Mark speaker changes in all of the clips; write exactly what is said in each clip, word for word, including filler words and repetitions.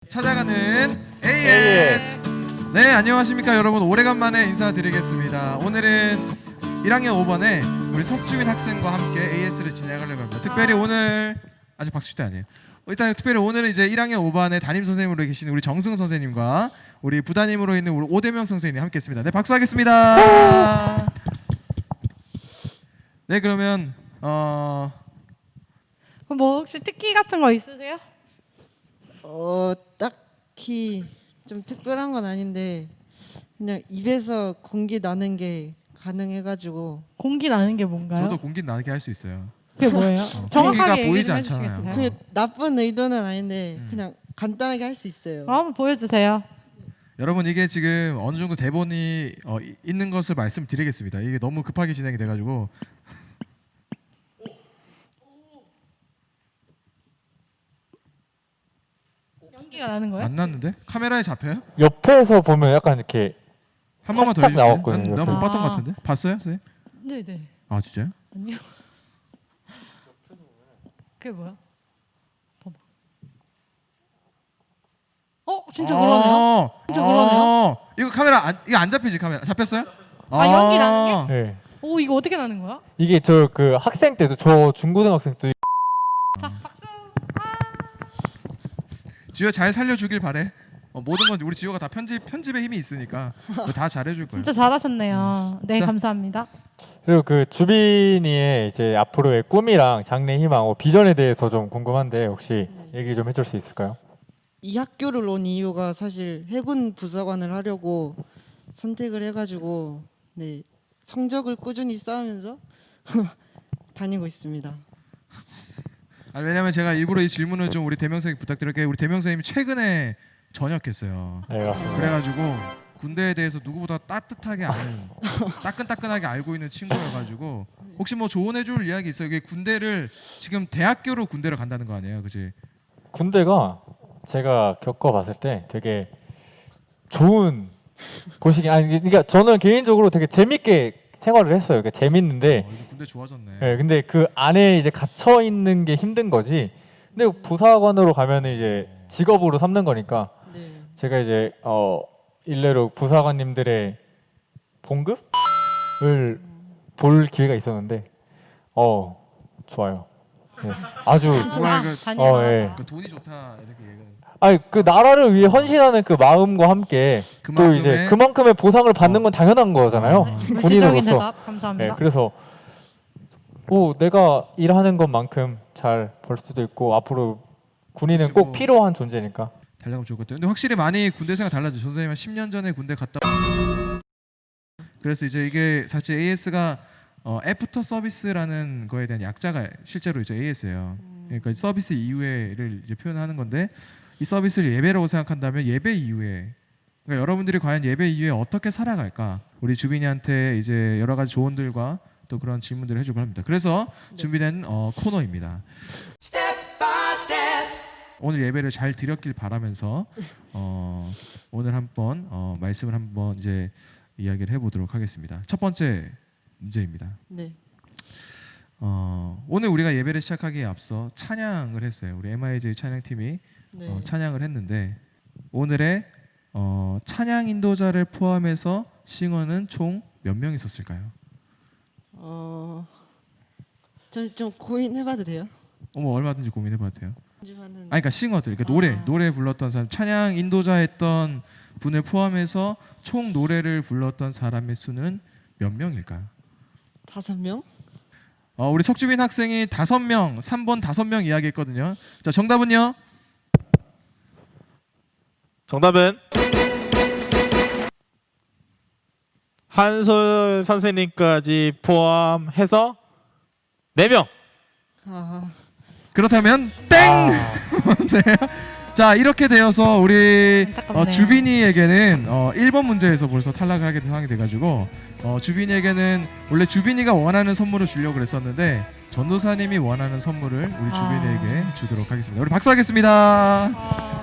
Speaker 1: 찾아가는 에이에스. 네, 안녕하십니까 여러분. 오래간만에 인사드리겠습니다. 오늘은 일 학년 오 반에 우리 석주민 학생과 함께 에이에스를 진행하려고 합니다. 특별히 오늘 아직 박수 때 아니에요. 일단 특별히 오늘은 이제 일 학년 오 반의 담임 선생님으로 계시는 우리 정승 선생님과 우리 부담임으로 있는 우리 오대명 선생님 함께했습니다. 네, 박수하겠습니다. 네, 그러면 어.
Speaker 2: 뭐 혹시 특기 같은 거 있으세요?
Speaker 3: 어 딱히 좀 특별한 건 아닌데 그냥 입에서 공기 나는 게 가능해가지고.
Speaker 2: 공기 나는 게 뭔가요?
Speaker 1: 저도 공기 나게 할 수 있어요.
Speaker 2: 그게 뭐예요?
Speaker 1: 어,
Speaker 2: 정확하게
Speaker 1: 공기가
Speaker 2: 얘기
Speaker 1: 보이지
Speaker 2: 좀
Speaker 1: 않잖아요.
Speaker 2: 해주시겠어요?
Speaker 3: 그 나쁜 의도는 아닌데
Speaker 1: 음.
Speaker 3: 그냥 간단하게 할 수 있어요.
Speaker 2: 어, 한번 보여주세요.
Speaker 1: 여러분, 이게 지금 어느 정도 대본이 어, 이- 있는 것을 말씀드리겠습니다. 이게 너무 급하게 진행이 돼가지고
Speaker 2: 연기가 나는 거예요?
Speaker 1: 안 났는데? 카메라에 잡혀요?
Speaker 4: 옆에서 보면 약간 이렇게
Speaker 1: 한 번만 더
Speaker 4: 살짝
Speaker 1: 해주세요.
Speaker 4: 나왔거든요,
Speaker 1: 난 못
Speaker 2: 옆에.
Speaker 1: 봤던 것
Speaker 2: 아.
Speaker 1: 같은데? 봤어요, 선생님?
Speaker 2: 네네.
Speaker 1: 아, 진짜요?
Speaker 2: 아니요. 그게 뭐야? 봐봐. 어, 진짜 그러네요.
Speaker 1: 어,
Speaker 2: 진짜
Speaker 1: 어,
Speaker 2: 그러네요.
Speaker 1: 이거 카메라 안, 이거 안 잡히지 카메라? 잡혔어요?
Speaker 2: 아, 연기 나는
Speaker 4: 네.
Speaker 2: 오, 이거 어떻게 나는 거야?
Speaker 4: 이게 저 그 학생 때도 저 중고등학생 때
Speaker 2: 자, 박수.
Speaker 1: 지효 잘 살려주길 바래. 어, 모든 건 우리 지효가 다 편집 편집에 힘이 있으니까 이거 다 잘해줄 거예요.
Speaker 2: 진짜 잘하셨네요. 네,
Speaker 1: 자.
Speaker 2: 감사합니다.
Speaker 4: 그리고 그 주빈이의 이제 앞으로의 꿈이랑 장래 희망, 어, 비전에 대해서 좀 궁금한데 혹시 얘기 좀 해줄 수 있을까요?
Speaker 3: 이 학교를 온 이유가 사실 해군 부사관을 하려고 선택을 해가지고 네 성적을 꾸준히 쌓으면서 다니고 있습니다.
Speaker 1: 아, 왜냐면 제가 일부러 이 질문을 좀 우리 대명 선생님 부탁드릴게요. 우리 대명 선생님이 최근에 전역했어요.
Speaker 4: 네, 맞습니다.
Speaker 1: 그래가지고 군대에 대해서 누구보다 따뜻하게 아는 따끈따끈하게 알고 있는 친구여가지고 혹시 뭐 조언해줄 이야기 있어요? 이게 군대를 지금 대학교로 군대를 간다는 거 아니에요, 그지?
Speaker 4: 군대가 제가 겪어봤을 때 되게 좋은 곳이긴 아니 그러니까 저는 개인적으로 되게 재밌게 생활을 했어요. 그러니까 재밌는데
Speaker 1: 어, 요즘 군대 좋아졌네.
Speaker 4: 네, 근데 그 안에 이제 갇혀 있는 게 힘든 거지. 근데 부사관으로 가면은 이제 직업으로 삼는 거니까
Speaker 3: 네.
Speaker 4: 제가 이제 어 일례로 부사관님들의 봉급을 볼 기회가 있었는데 어 좋아요. 네, 아주
Speaker 1: 정말 그,
Speaker 2: 다니고
Speaker 4: 어, 예.
Speaker 1: 그 돈이 좋다 이렇게 얘기하는.
Speaker 4: 아니 그 나라를 위해 헌신하는 그 마음과 함께 또
Speaker 1: 그만큼의-
Speaker 4: 이제 그만큼의 보상을 받는 건 당연한 거잖아요.
Speaker 2: 네, 물질적인
Speaker 4: 군인으로서.
Speaker 2: 대답 감사합니다.
Speaker 4: 네, 그래서 오 내가 일하는 것만큼 잘 벌 수도 있고 앞으로 군인은
Speaker 1: 그리고-
Speaker 4: 꼭 필요한 존재니까.
Speaker 1: 달라면 좋을 것 같아요. 근데 확실히 많이 군대 생활 달라져. 선생님은 십 년 전에 군대 갔다. 그래서 이제 이게 사실 에이에스가 어, 애프터 서비스라는 거에 대한 약자가 실제로 이제 에이에스예요. 그러니까 서비스 이후에를 이제 표현하는 건데 이 서비스를 예배라고 생각한다면 예배 이후에 그러니까 여러분들이 과연 예배 이후에 어떻게 살아갈까? 우리 주빈이한테 이제 여러 가지 조언들과 또 그런 질문들을 해주고 합니다. 그래서 준비된 어, 코너입니다. 오늘 예배를 잘 드렸길 바라면서 어, 오늘 한번 어, 말씀을 한번 이제 이야기를 해보도록 하겠습니다. 첫 번째 문제입니다.
Speaker 3: 네.
Speaker 1: 어, 오늘 우리가 예배를 시작하기에 앞서 찬양을 했어요. 우리 엠아이제이 찬양팀이
Speaker 3: 네.
Speaker 1: 어, 찬양을 했는데 오늘의 어, 찬양 인도자를 포함해서 싱어는 총 몇 명 있었을까요?
Speaker 3: 어, 좀, 좀 고민해봐도 돼요?
Speaker 1: 어머, 얼마든지 고민해봐도 돼요.
Speaker 3: 연주하는.
Speaker 1: 아니, 그러니까 싱어들, 그러니까 노래,
Speaker 3: 아.
Speaker 1: 노래 불렀던 사람, 찬양 인도자 했던 분을 포함해서 총 노래를 불렀던 사람의 수는 몇 명일까요?
Speaker 3: 다섯 명?
Speaker 1: 어, 우리 석주빈 학생이 다섯 명, 삼 번 다섯 명 이야기했거든요. 자, 정답은요?
Speaker 5: 정답은 한솔 선생님까지 포함해서 네 명.
Speaker 3: 아,
Speaker 1: 그렇다면 땡!
Speaker 4: 아,
Speaker 1: 네. 자, 이렇게 되어서 우리
Speaker 2: 안타깝네요.
Speaker 1: 어, 주빈이에게는 어, 일 번 문제에서 벌써 탈락을 하게 된 상황이 돼가지고 어, 주빈이에게는 원래 주빈이가 원하는 선물을 주려고 그랬었는데 전도사님이 원하는 선물을 우리
Speaker 2: 아.
Speaker 1: 주빈이에게 주도록 하겠습니다. 우리 박수하겠습니다.
Speaker 2: 아,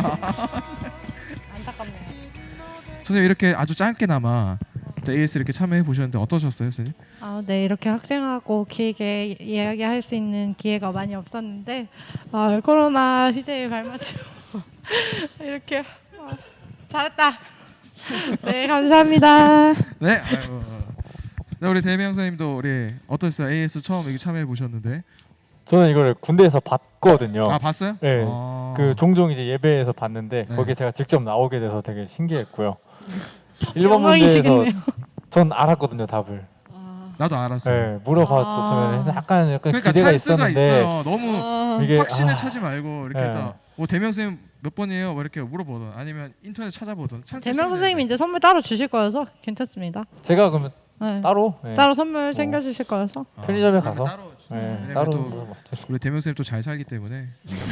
Speaker 2: 안타깝네요.
Speaker 1: 선생님, 이렇게 아주 짧게나마 또 에이에스 이렇게 참여해 보셨는데 어떠셨어요, 선생님?
Speaker 2: 아, 네, 이렇게 학생하고 길게 이야기할 수 있는 기회가 많이 없었는데 아, 코로나 시대에 발맞춰 이렇게 아, 잘했다. 네 감사합니다.
Speaker 1: 네. 아이고. 네, 우리 대명 선생님도 우리 어떠셨어요? 에이에스 처음 여기 참여해 보셨는데.
Speaker 4: 저는 이거를 군대에서 봤거든요.
Speaker 1: 아 봤어요?
Speaker 4: 네.
Speaker 1: 아.
Speaker 4: 그 종종 이제 예배에서 봤는데
Speaker 1: 네.
Speaker 4: 거기에 제가 직접 나오게 돼서 되게 신기했고요. 일 번 문제에서
Speaker 2: 영광이시겠네요.
Speaker 4: 전 알았거든요 답을.
Speaker 3: 아,
Speaker 1: 나도 알았어요.
Speaker 4: 네, 물어봤었으면
Speaker 2: 아.
Speaker 4: 약간 약간
Speaker 1: 그러니까
Speaker 4: 기대가
Speaker 1: 찬스가
Speaker 4: 있었는데
Speaker 1: 있어요. 너무
Speaker 3: 아,
Speaker 4: 이게
Speaker 1: 확신을
Speaker 4: 아,
Speaker 1: 차지 말고 이렇게
Speaker 4: 네.
Speaker 1: 딱 뭐 대명 선생님 몇 번이에요? 뭐 이렇게 물어보던 아니면 인터넷 찾아보던 찬스.
Speaker 2: 대명 선생님이 이제 선물 따로 주실 거여서 괜찮습니다.
Speaker 4: 제가 그러면
Speaker 2: 네.
Speaker 4: 따로 네.
Speaker 2: 따로 선물 챙겨 주실 거여서.
Speaker 4: 편의점에
Speaker 1: 아, 그러면
Speaker 4: 가서?
Speaker 1: 따로
Speaker 4: 네,
Speaker 1: 왜냐면
Speaker 4: 따로
Speaker 1: 또
Speaker 4: 물어봤죠.
Speaker 1: 우리 대명 선생님 또 잘 살기 때문에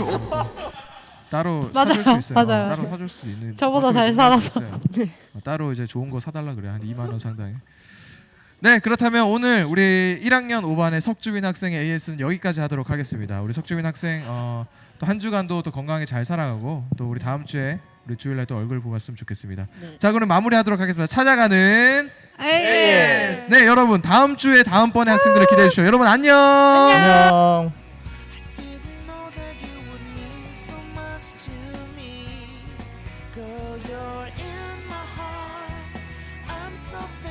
Speaker 1: 따로
Speaker 2: 맞아요.
Speaker 1: 사줄 수 있어요.
Speaker 2: 맞아요.
Speaker 1: 따로 사줄 수 있는.
Speaker 2: 저보다 잘
Speaker 1: 방법이
Speaker 2: 살아서.
Speaker 1: 있어요. 어, 따로 이제 좋은 거 사달라 그래 한 이만 원 상당의. 네 그렇다면 오늘 우리 일 학년 오 반의 석주빈 학생의 에이에스는 여기까지 하도록 하겠습니다. 우리 석주빈 학생 어, 또 한 주간도 또 건강하게 잘 살아가고 또 우리 다음 주에 우리 주일날 또 얼굴 보고 왔으면 좋겠습니다.
Speaker 3: 네.
Speaker 1: 자 그럼 마무리하도록 하겠습니다. 찾아가는
Speaker 2: 에이에스.
Speaker 1: 네 여러분 다음 주에 다음번에 학생들을 기대해 주시죠. 여러분 안녕.
Speaker 4: 안녕.
Speaker 6: Didn't know that you would mean so much to me. Girl, you're in my heart. I'm so